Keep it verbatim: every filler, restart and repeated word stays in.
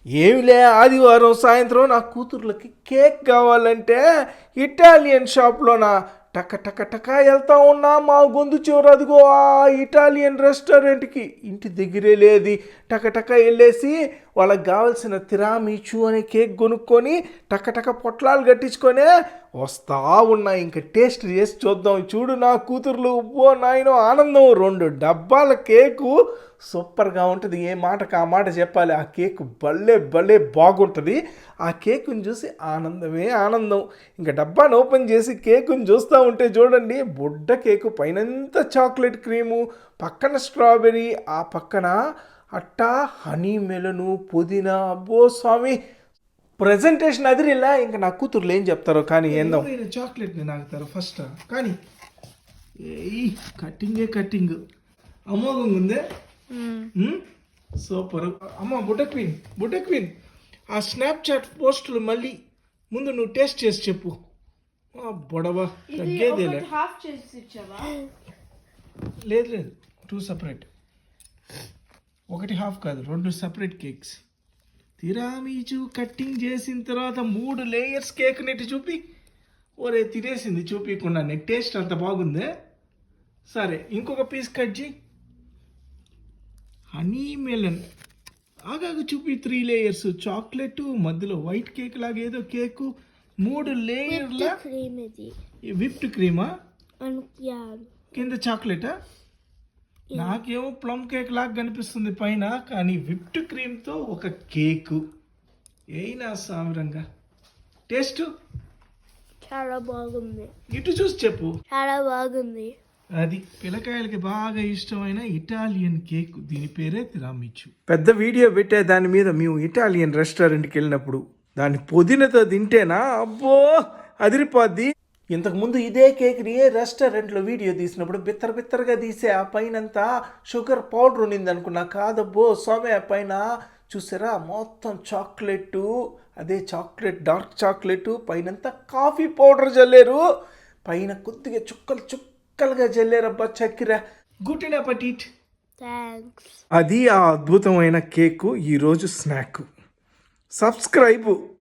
ఏమిలే ఆదివారం సాయంత్రం నా కూతుర్లకి కేక్ కావాలంటే ఇటాలియన్ షాప్లోనా టక టక టక వెళ్తా ఉన్నా మా గొంతు చివర అదిగో ఆ ఇటాలియన్ రెస్టారెంట్కి ఇంటి దగ్గరే లేది టక టక వెళ్ళేసి వాళ్ళకి కావాల్సిన తిరామిచు అనే కేక్ కొనుక్కొని టక టక పొట్లాలు కట్టించుకొని వస్తా ఉన్నా. ఇంకా టేస్ట్ చేసి చూద్దాం. చూడు నా కూతుర్లు ఓ నాయనో ఆనందం. రెండు డబ్బాల కేకు సూపర్గా ఉంటుంది. ఏ మాటకు ఆ మాట చెప్పాలి. ఆ కేక్ భలే భలే బాగుంటుంది. ఆ కేకుని చూసి ఆనందమే ఆనందం. ఇంకా డబ్బాను ఓపెన్ చేసి కేకుని చూస్తూ ఉంటే చూడండి, బుడ్డ కేకు పైనంతా చాక్లెట్ క్రీము, పక్కన స్ట్రాబెర్రీ, ఆ పక్కన అట్టా హనీ మెలను, పుదీనా. అబ్బో స్వామి, ప్రజెంటేషన్ అదిరిలా. ఇంకా నా కూతుర్లు ఏం చెప్తారో కానీ ఏందో చాక్లెట్ని నాకుతారు ఫస్ట్. కానీ ఈ కట్టింగే కట్టింగ్ అమోఘంగా ఉందే. సూపర్. అమ్మ బుడ్డ క్వీన్, బుడ్డ క్వీన్, ఆ స్నాప్చాట్ పోస్టులు మళ్ళీ ముందు నువ్వు టేస్ట్ చేసి చెప్పు. బొడవా తగ్గేదేలే. లేదు లేదు, టూ సపరేట్. ఒకటి హాఫ్ కాదు, రెండు సపరేట్ కేక్స్. తిరామీచు కట్టింగ్ చేసిన తర్వాత మూడు లేయర్స్ కేక్ నెట్టి చూపి. ఓరే తినేసింది చూపించకుండా. నెట్ టేస్ట్ అంత బాగుందే. సరే ఇంకొక పీస్ కట్ చేయి. హనీ మెలన్ ఆగాగు చూపి. త్రీ లేయర్స్ చాక్లెట్, మధ్యలో వైట్ కేక్ లాగా ఏదో కేకు, మూడు లేయర్ల విప్డ్ క్రీమా, కింద చాక్లెటా. నాకేమో ప్లమ్ కేక్ లాగా కనిపిస్తుంది పైన, కానీ విప్డ్ క్రీమ్తో ఒక కేకు. అయినా సామరంగా టేస్ట్ చాలా బాగుంది. ఇటు చూసి చెప్పు. చాలా బాగుంది. అది పిల్లకాయలకి బాగా ఇష్టమైన ఇటాలియన్ కేక్. దీని పేరే తిరామిచు. పెద్ద వీడియో పెట్టే దాని మీద మేము ఇటాలియన్ రెస్టారెంట్కి వెళ్ళినప్పుడు దాని పుదీనతో తింటేనా అబ్బో అదిరిపోద్ది. ఇంతకుముందు ఇదే కేక్ని రెస్టారెంట్లో వీడియో తీసినప్పుడు బిత్తర బిత్తరగా తీసే ఆ పైనంతా షుగర్ పౌడర్ ఉన్నింది అనుకున్నా. కాదబ్బో స్వామి, ఆ పైన చూసారా మొత్తం చాక్లెట్, అదే చాక్లెట్ డార్క్ చాక్లెట్, పైనంతా కాఫీ పౌడర్ చల్లారు, పైన కొద్దిగా చుక్కలు చుక్కలుగా చల్లారబ్బా చక్కెర. Good appetite. థ్యాంక్స్. అది ఆ అద్భుతమైన కేకు ఈరోజు స్నాక్. సబ్స్క్రైబ్.